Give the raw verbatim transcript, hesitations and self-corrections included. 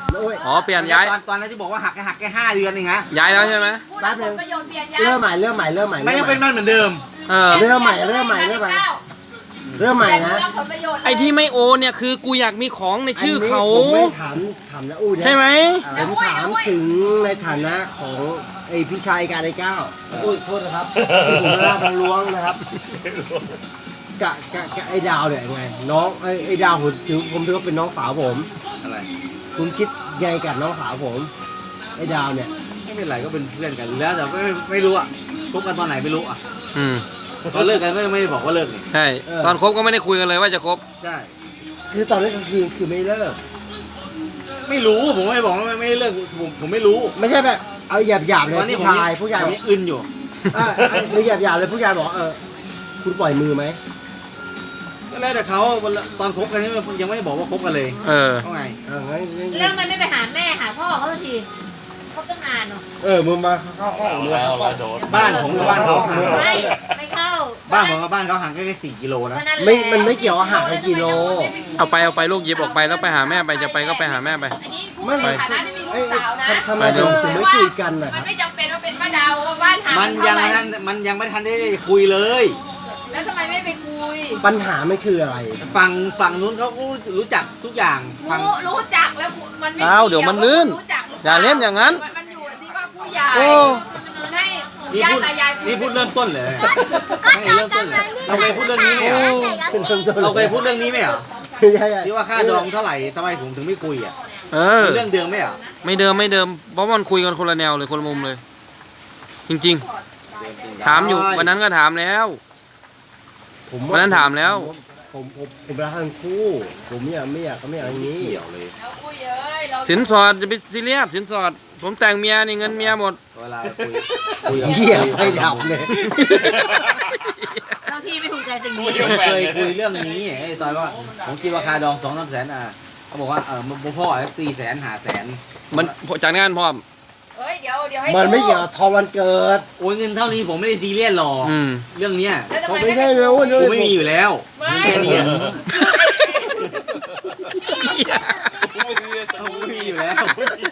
อ๋อเปลี่ยนย้ายตอนตอนนั้นที่บอกว่าหักแค่หักแค่ห้าเดือนเองฮะย้ายแล้วใช่ไหมแป๊บนึงเริ่มใหม่เริ่มใหม่เริ่มใหม่ไม่ยังเป็นมันเหมือนเดิมเออเริ่มใหม่เริ่มใหม่เริ่มใหม่เริ่มใหม่นะไอ้ที่ไม่โอนเนี่ยคือกูอยากมีของในชื่อเขาผมไม่ถามถามนะอู้นะใช่ไหมผมถามถึงในฐานะของไอพี่ชายการไอ้เก้าอุ้ยโทษนะครับที่ผมไม่ได้ทางล้วงนะครับกะกะกะไอ้ดาวเนี่ยไงน้องไอ้ไอ้ดาวผมถือผมถือว่าเป็นน้องสาวผมอะไรคุณคิดไงกับน้องสาวผมไอ้ดาวเนี่ยไม่เป็นไรก็เป็นเพื่อนกันแล้วแต่ไม่ไม่รู้อ่ะคบกันตอนไหนไม่รู้อ่ะอืมตอนเลิกกันก็ยังไม่ได้บอกว่าเลิกนี่ใช่ตอนคบก็ไม่ได้คุยกันเลยว่าจะคบใช่คือตอนนี้ก็คือคือไม่เลิกไม่รู้ผมไม่ได้บอกว่าไม่ไม่ได้เลิกผมผมไม่รู้ไม่ใช่แบบเอาหยาบหยาบๆเลยตอนนี้ผู้ผมชายผู้ชายผมยังอึนอยู่อ่าหรือหยาบหยาบๆเลยผู้ชายบอกเออคุณปล่อยมือไหมก็แล้วแต่เขาตอนคบกันนี่ยังไม่ได้บอกว่าคบกันเลยเออเขาไงเอองั้นงั้นแล้วมันไม่ไปหาแม่หาพ่อเขาสักทีเขาตั้งนานเนาะเออมึงมาเข้าห้องเลยบ้านผมกับบ้านเขาห่างไม่ไม่เข้าบ้านผมกับบ้านเขาห่างแค่สี่กิโลนะไม่มันไม่เกี่ยวอาหารกันกิโลเอาไปเอาไปลูกหยิบออกไปแล้วไปหาแม่ไปจะไปก็ไปหาแม่ไปอันนี้พูดไม่ในไม่ฐานะที่มีลูเอ้ยกสาวนะทำไมไปดูถึงไม่คุยกันนะคมัรันบไม่จำเป็นว่าเป็นป้าดาวว่าบ้านหามันยังไม่ทันมันยังไม่ทันได้คุยเลยแล้วทำไมไม่ไปคุยปัญหาไม่คืออะไรฝั่งฝั่งนู้นเขาก็รู้จักทุกอย่างฝั่งรู้รู้จักแล้วมันไม่อ้าวเดี๋ยวมันลื่นรู้จักหรืปอย่าเล่นอย่างนั้นมันอยู่ที่ว่าผู้ใหญ่โอ้มันให้นี่ญาพูติดตายายนี่พูดเริ่มต้นเลยไม่เริ่มต้นเลยเราเคยพูดเรื่องนี้ไหมเหรอเราเคยพูดเรื่องนี้ไหมเหรอไม่ใช่ที่ว่าค่าดองเท่าไหร่ทำไมผมถึงไม่คุยอ่ะเออเป็นเรื่องเดิมไหมเหรอไม่เดิมไม่เดิมเพราะมันคุยกันคนละแนวเลยคนละมุมเลย จริงๆ ถามอยู่วันนั้นก็ถามแล้วผมวันนั้นถามแล้วผมผมผมรักทั้งคู่ ผมอยากไม่อยากก็ไม่อยากอย่างนี้เกี่ยวเลยแล้วคุยเอ้ยเราสินสอดจะไปซีเรียสสินสอด ผมแต่งเมียนี่เงินเมียหมดเวลาคุยคุยกับเหี้ยไม่ดับเลยบางทีไม่ถูกใจสิ่งนี้ผมเคยคุยเรื่องนี้ไอ้ตอนว่าผมคิดว่าค่าดองสองสามแสนอ่ะเขาบอกว่าเออมึงพ่อเอฟซีแสนหาแสนมันจากงานพร้อมเฮ้ยเดี๋ยวเดี๋ยวให้มันไม่ดูเกี่ยวกับทองวันเกิดโอ้ยเงินเท่านี้ผมไม่ได้ซีเรียสหรอกอืมเรื่องเนี้ยแล้วทำเพราะไมไม่ไม่ใช่ไปแล้วกูไม่มีอยู่แล้วเงินแค่นี้อะกูไม่มีอยู่แล้ว